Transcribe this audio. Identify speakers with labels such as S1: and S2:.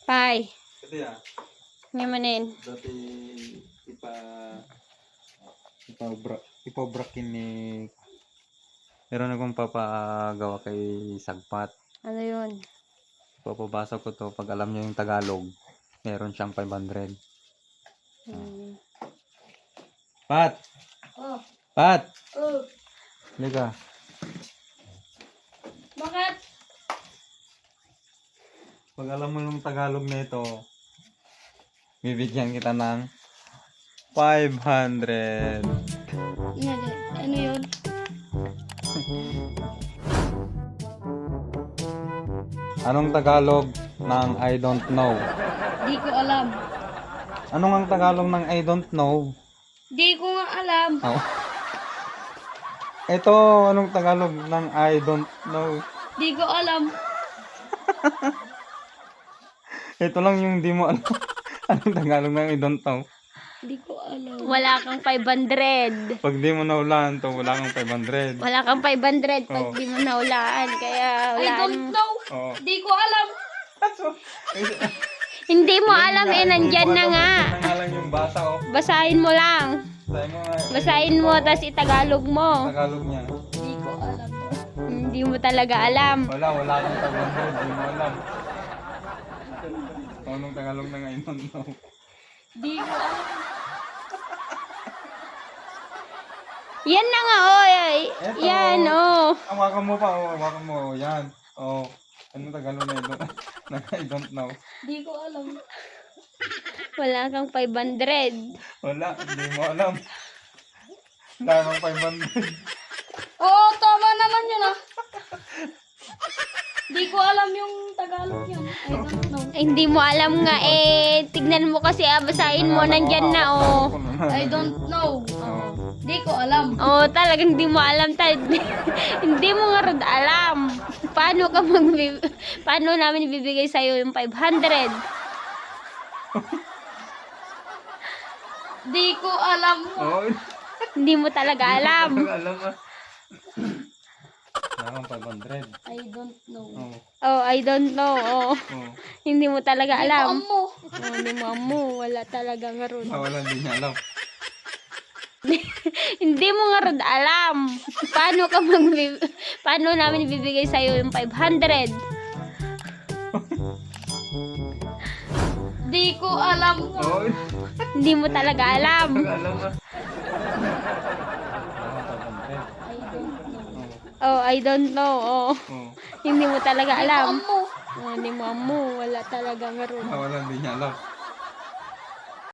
S1: Pai.
S2: Ito ya.
S1: Ngamanin.
S2: Dati ipabrakin ni meron akong papagawa kay Sagpat.
S1: Ano yun?
S2: Papabasa ko to pag alam niya yung Tagalog. Meron siyang 500. Pat!
S1: Oh.
S2: Pat!
S1: Oh.
S2: Liga.
S1: Bakit?
S2: Pag alam mo yung Tagalog nito, bibigyan kita ng 500.
S1: Ano yun?
S2: Anong Tagalog ng I don't know?
S1: Di ko alam.
S2: Anong ang Tagalog ng I don't know?
S1: Di ko nga alam.
S2: Oh. Ito, anong Tagalog ng I don't know?
S1: Di ko alam.
S2: Ito lang yung di mo alam. Anong Tagalog ng I don't know?
S1: Di ko alam. Wala kang 500.
S2: Pag di mo nahulaan to, wala kang 500.
S1: Wala kang 500 pag
S2: Oh.
S1: di mo nahulaan. Kaya wala. I don't know.
S2: Oh.
S1: Di ko alam. Hindi mo alam eh, nandyan na nga.
S2: Nandyan na nga lang yung basa, oh.
S1: Basahin mo lang.
S2: Sabi mo nga,
S1: Basahin mo, tas itagalog mo.
S2: Tagalog niya.
S1: Di ko alam. Hindi mo talaga alam.
S2: Wala kang 500, di mo alam. Anong Tagalog na nga I don't know?
S1: Di ko alam. Yan na nga, oh.
S2: Eto.
S1: Yan, oh.
S2: Hawakan mo pa, oh. Hawakan mo, oh. Yan. Oh. Anong Tagalog na I don't know?
S1: Di ko alam. Wala kang 500.
S2: Wala, hindi mo alam. Wala kang 500.
S1: Oo, tama naman yun ah. Di ko alam yung Tagalog yun. I don't know. Hindi mo alam nga eh. Tignan mo kasi, basahin mo, nandyan na oh. I don't know. Di ko alam. Oh, talagang di mo alam. Hindi mo nga rin alam. Paano namin bibigay sa'yo yung 500? Di ko alam.
S2: Oh,
S1: Hindi mo talaga alam.
S2: alam mo. Wala kang 500.
S1: I don't know.
S2: Oh.
S1: Oh, I don't know. Oh.
S2: Oh.
S1: Hindi mo talaga alam. Hindi mo amo. Wala talaga nga ron.
S2: Wala, hindi niya alam.
S1: Hindi mo nga ron alam. Paano namin bibigay sa'yo yung 500? Di ko alam.
S2: Oh,
S1: Hindi mo talaga alam.
S2: alam mo.
S1: Oh, I don't know. Oh.
S2: Oh.
S1: Hindi mo talaga alam. Hindi mo amo. Wala talaga nga ron.
S2: Wala, hindi niya alam.